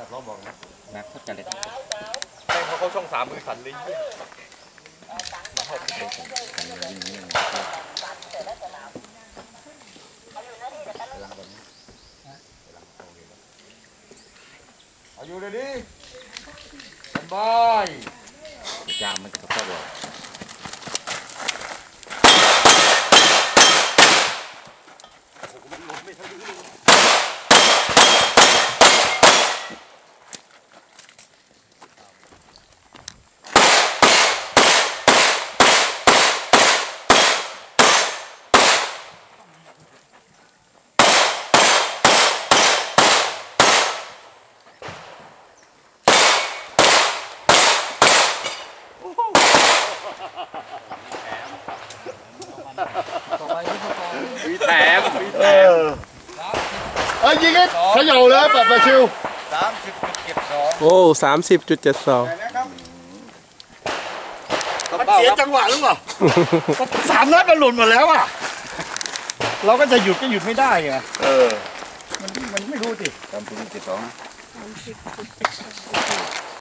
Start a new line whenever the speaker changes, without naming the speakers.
ล้อบอกนะเขาจะเล็ก
แม่งเขาช่อง3มือสั่นเลยอายุเลยดิสบาย
ยามมันก็เข้าบ่
มีแถม
ยิงกันเขย่าเลยปัดมาชิว
โอ้30.72
มันเสียจังหวะหรือเปล่า3 นัดมันหล่นหมดแล้วอ่ะเราก็จะหยุดก็หยุดไม่ได้ไงมันไม่รู้สิ
30.72